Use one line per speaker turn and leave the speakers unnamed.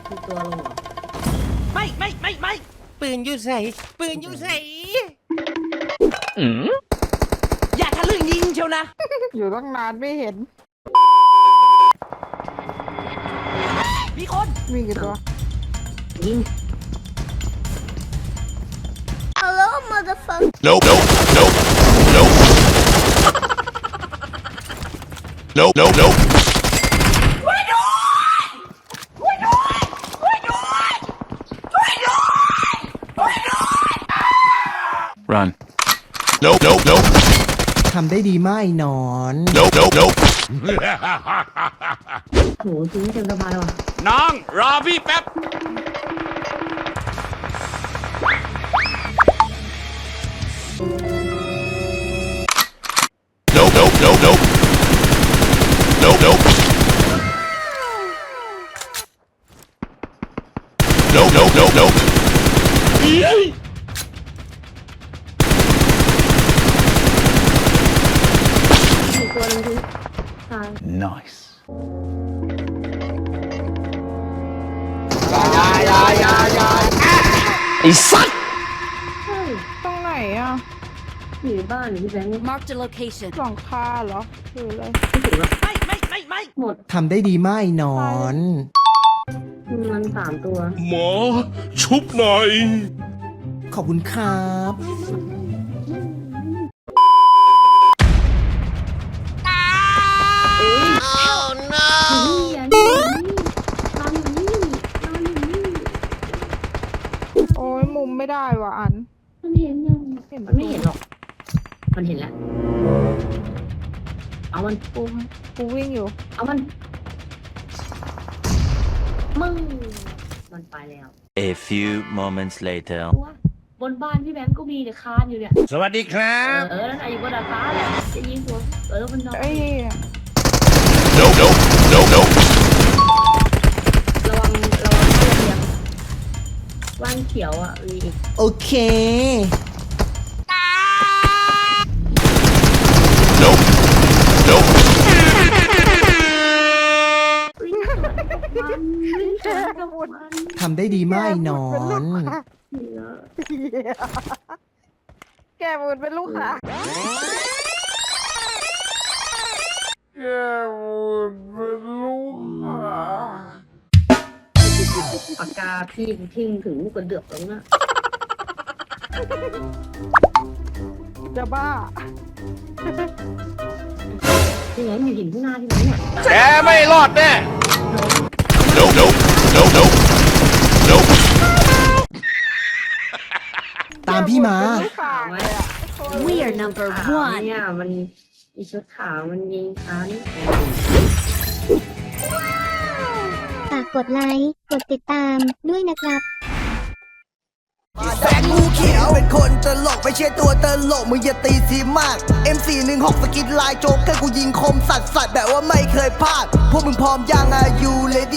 มีตัวลงเหรอ
ไม่ปืนอยู่ใส่ปืนอยู่ใส่อย่าทะลึ่งยิงเชียวนะ
อยู่ตั้งนานไม่เห็น
มีคน
มีกี่ตัว
ยิง
Hello, motherfucker.
Nope, nope, nope, nope. Nope, nope, nope. Run. Nope, nope, nope.
ทำได้ดีมากไอ้หนอน
Nope, nope, nope.
โหทิ้งเต็มสะพานเลยว่ะ
น้องรอพี่แป๊บ Nope, nope, nope, nope. Nope, nope. Nope, nope, nope, nope.
มีตัวนึงทิ้งตาย
Nice. ไอ้สัตว์
เฮ้ย
ตรงไหนอ่ะ
อยู่ในบ้านอยู่ที่แบงค์
Marked a location.
หลังคาเหรอคืออะไร
ไม่ถึงหรอก
ไม่
หมด
ทำได้ดีมากไอ้หนอน
มัน3 ตัว
หมอชุบหน่อย
ขอบคุณครับ
โอ้ยมุมไม่ได้ว่ะอัน
มันเห็นยังมันไม่เห็นหรอก มันเห็นแล้ว เอามัน
กูวิ่งอยู่
เอามัน มึง มันไปแล้ว
A few moments later.
ตัวบนบ้านพี่แบงค์ก็มีเนี่ยคานอยู่เนี่ย
สวัสดีครับ
นั่นน่ะอยู่บนดาดฟ้าแหละจะยิงตัวมันนอน
ไอ้
Nope, nope, nope, nope.
ระวังเพื่อนเดียวว่านเขียวอ่ะมีอีก
โอเค
Nope, nope.
ทำได้ดีมากไอ้หนอน
แกมุนเป็นลูกค้าแกมุนเป็นลูกค้า
ปากกาพี่ทิ้งถึงลูกกระเดือกแล้วนะ
จะบ้า
ที่ไหนมีหินข้างหน้าที่ไหนเนี่ย
แกไม่รอดแน่ Nope, nope, nope, nope. Nope.
ตามพี่มา
ลูกค้าเลยอ่ะ
We are number
ขาว
one.
เนี่ยมันอีชุดขาวมันยิงค้านี่
ฝากกดไลค์ กดติดตามด้วยนะครับ
แสงงูเขียวเป็นคนตลกไม่ใช่ตัวตลกมึงอย่าตีสีมาก M416 สกินลายโจ๊กเกอร์กูยิงคมสัตว์แบบว่าไม่เคยพลาด พวกมึงพร้อมยังอายุเลด